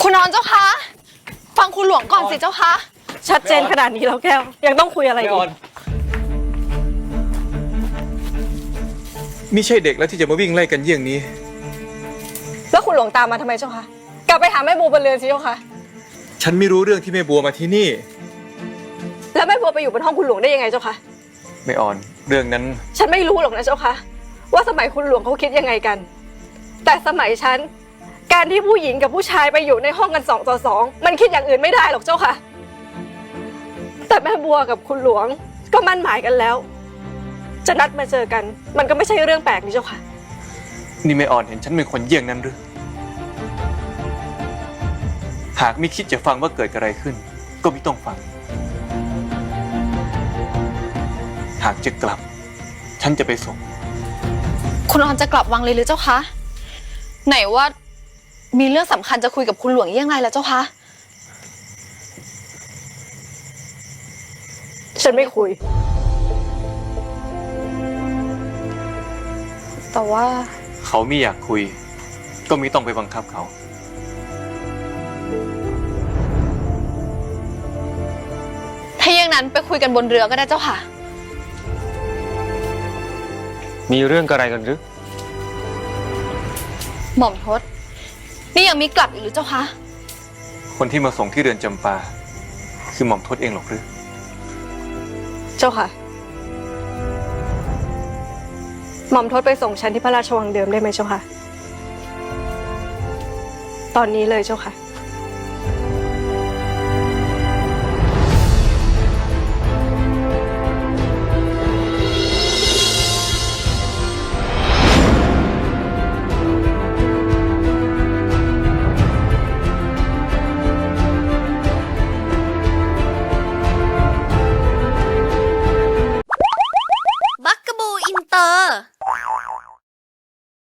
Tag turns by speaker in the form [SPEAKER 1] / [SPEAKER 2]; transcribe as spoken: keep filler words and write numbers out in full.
[SPEAKER 1] คุณนอนเจ้าคะฟังคุณหลวงก่อนสิเจ้าคะ
[SPEAKER 2] ชัดเจนขนาดนี้แล้วแก้วยังต้องคุยอะไรอีก
[SPEAKER 3] มิใช่เด็กแล้วที่จะมาวิ่งไล่กันเยี่ยงนี้
[SPEAKER 2] แล้วคุณหลวงตามมาทำไมเจ้าคะกลับไปหาแม่บัวบนเรือนสิเจ้าคะ
[SPEAKER 3] ฉันไม่รู้เรื่องที่แม่บัวมาที่นี่
[SPEAKER 2] แล้วแม่บัวไปอยู่บนห้องคุณหลวงได้ยังไงเจ้าคะ
[SPEAKER 3] ไม่อ่อนเรื่องนั้น
[SPEAKER 2] ฉันไม่รู้หรอกนะเจ้าคะว่าสมัยคุณหลวงเขาคิดยังไงกันแต่สมัยฉันการที่ผู้หญิงกับผู้ชายไปอยู่ในห้องกันสองต่อสองมันคิดอย่างอื่นไม่ได้หรอกเจ้าค่ะแต่แม่บัวกับคุณหลวงก็มั่นหมายกันแล้วจะนัดมาเจอกันมันก็ไม่ใช่เรื่องแปลกนี่เจ้าค่ะ
[SPEAKER 3] นี่ไม่อ่อนเห็นฉันเป็นคนเยี่ยงนั้นหรือหากไม่คิดจะฟังว่าเกิดอะไรขึ้นก็ไม่ต้องฟังหากจะกลับฉันจะไปส่ง
[SPEAKER 1] คุณนอนจะกลับวังเลยหรือเจ้าคะไหนว่ามีเรื่องสำคัญจะคุยกับคุณหลวงยังไงล่ะเจ้าคะ
[SPEAKER 2] ฉันไม่คุย
[SPEAKER 1] แต่ว่า
[SPEAKER 3] เขาไม่อยากคุยก็ไม่ต้องไปบังคับเขา
[SPEAKER 1] ถ้าอย่างนั้นไปคุยกันบนเรือก็ได้เจ้าค่ะ
[SPEAKER 4] มีเรื่องอะไรกันหรือ
[SPEAKER 1] หม่อมทศนี่ยังมีกลับอีกหรือเจ้าคะ
[SPEAKER 3] คนที่มาส่งที่เรือนจำปาคือหม่อมทศเองหรอกหรือ
[SPEAKER 2] เจ้าค่ะหม่อมทศไปส่งฉันที่พระราชวังเดิมได้ไหมเจ้าค่ะตอนนี้เลยเจ้าค่ะ
[SPEAKER 5] บักกะบูอินเตอร์